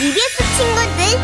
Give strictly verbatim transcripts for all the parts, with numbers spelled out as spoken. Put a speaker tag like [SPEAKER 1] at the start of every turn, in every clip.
[SPEAKER 1] 이비에스 친구들.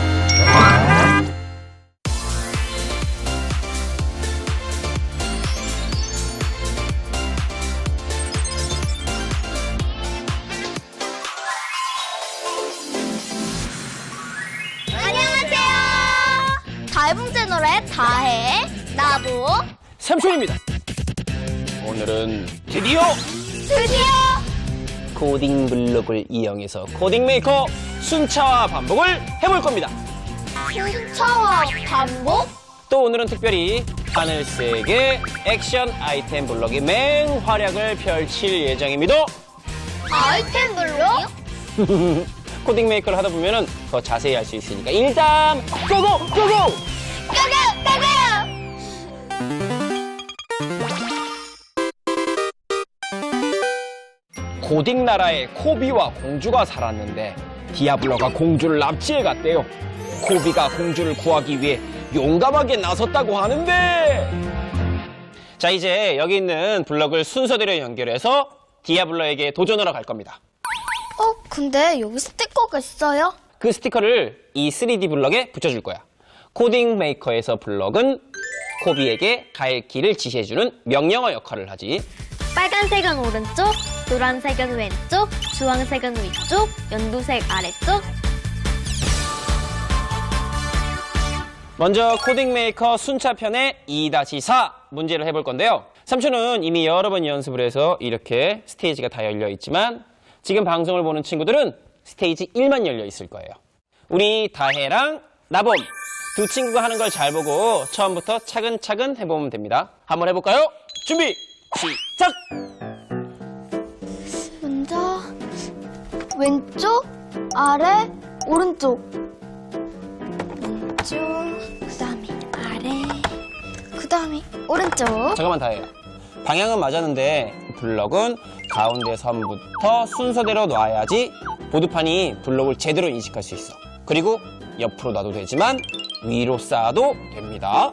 [SPEAKER 1] 안녕하세요. 다해봉 채널의 다해, 나보,
[SPEAKER 2] 삼촌입니다. 오늘은 드디어
[SPEAKER 1] 드디어
[SPEAKER 2] 코딩 블록을 이용해서 코딩 메이커 순차와 반복을 해볼 겁니다.
[SPEAKER 1] 순차와 반복?
[SPEAKER 2] 또 오늘은 특별히 하늘색의 액션 아이템 블록의 맹활약을 펼칠 예정입니다.
[SPEAKER 1] 아이템 블록?
[SPEAKER 2] 코딩 메이커를 하다 보면 더 자세히 알 수 있으니까 일단 고고! 고고!
[SPEAKER 1] 가가! 가가!
[SPEAKER 2] 고딩 나라에 코비와 공주가 살았는데 디아블로가 공주를 납치해 갔대요. 코비가 공주를 구하기 위해 용감하게 나섰다고 하는데, 자, 이제 여기 있는 블럭을 순서대로 연결해서 디아블로에게 도전하러 갈 겁니다.
[SPEAKER 1] 어, 근데 여기 스티커가 있어요?
[SPEAKER 2] 그 스티커를 이 쓰리디 블럭에 붙여줄 거야. 코딩 메이커에서 블럭은 코비에게 갈 길을 지시해주는 명령어 역할을 하지.
[SPEAKER 3] 빨간색은 오른쪽, 노란색은 왼쪽, 주황색은 위쪽, 연두색 아래쪽.
[SPEAKER 2] 먼저 코딩 메이커 순차편의 이 다시 사 문제를 해볼 건데요. 삼촌은 이미 여러 번 연습을 해서 이렇게 스테이지가 다 열려 있지만 지금 방송을 보는 친구들은 스테이지 일만 열려 있을 거예요. 우리 다혜랑 나봄 두 친구가 하는 걸 잘 보고 처음부터 차근차근 해보면 됩니다. 한번 해볼까요? 준비! 시작!
[SPEAKER 1] 먼저 왼쪽, 아래, 오른쪽. 왼쪽, 그 다음에 아래, 그 다음에 오른쪽.
[SPEAKER 2] 잠깐만 다혜야. 방향은 맞았는데 블럭은 가운데 선부터 순서대로 놔야지 보드판이 블럭을 제대로 인식할 수 있어. 그리고 옆으로 놔도 되지만 위로 쌓아도 됩니다.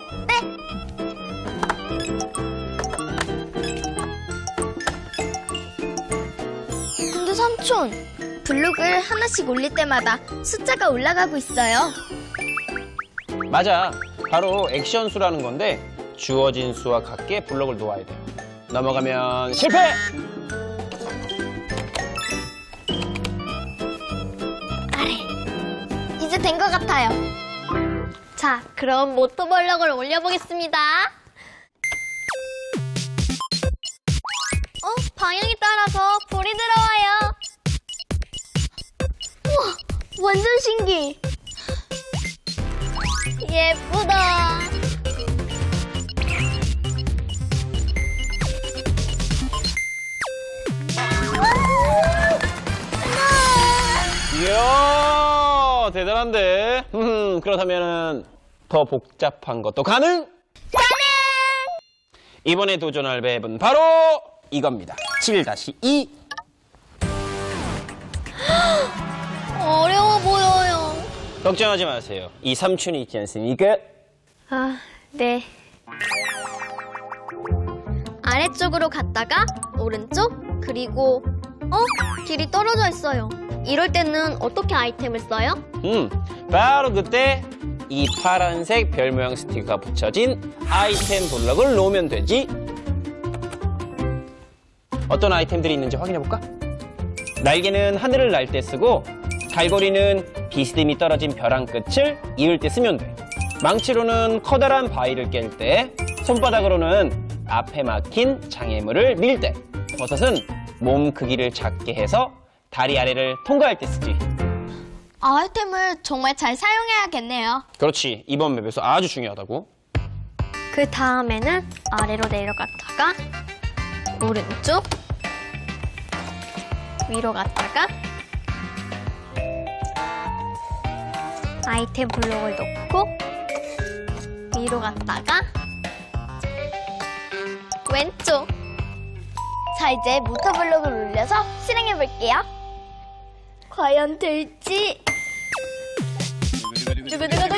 [SPEAKER 1] 근데 삼촌, 블록을 하나씩 올릴 때마다 숫자가 올라가고 있어요.
[SPEAKER 2] 맞아. 바로 액션 수라는 건데 주어진 수와 같게 블럭을 놓아야 돼. 넘어가면 실패!
[SPEAKER 1] 이제 된 것 같아요.
[SPEAKER 3] 자, 그럼 모터블럭을 올려보겠습니다. 어, 방향에 따라서 불이 들어와요.
[SPEAKER 1] 우와, 완전 신기.
[SPEAKER 3] 예쁘다.
[SPEAKER 2] 이야, 대단한데. 음, 그렇다면 더 복잡한 것도 가능?
[SPEAKER 1] 가능!
[SPEAKER 2] 이번에 도전할 맵은 바로 이겁니다. 칠 다시 이.
[SPEAKER 3] 어려워 보여요.
[SPEAKER 2] 걱정하지 마세요. 이 삼촌이 있지 않습니까?
[SPEAKER 3] 아, 네. 아래쪽으로 갔다가 오른쪽, 그리고 어? 길이 떨어져 있어요. 이럴 때는 어떻게 아이템을 써요?
[SPEAKER 2] 음, 바로 그때 이 파란색 별 모양 스티커가 붙여진 아이템 블럭을 놓으면 되지. 어떤 아이템들이 있는지 확인해볼까? 날개는 하늘을 날 때 쓰고 갈고리는 비스듬히 떨어진 벼랑 끝을 이을 때 쓰면 돼. 망치로는 커다란 바위를 깰 때, 손바닥으로는 앞에 막힌 장애물을 밀 때, 버섯은 몸 크기를 작게 해서 다리 아래를 통과할 때 쓰지.
[SPEAKER 1] 아이템을 정말 잘 사용해야겠네요.
[SPEAKER 2] 그렇지. 이번 맵에서 아주 중요하다고.
[SPEAKER 3] 그 다음에는 아래로 내려갔다가 오른쪽, 위로 갔다가 아이템 블록을 놓고 위로 갔다가 왼쪽.
[SPEAKER 1] 자, 이제 모터블록을 올려서 실행해볼게요. 과연 될지.
[SPEAKER 3] 두구두구두구.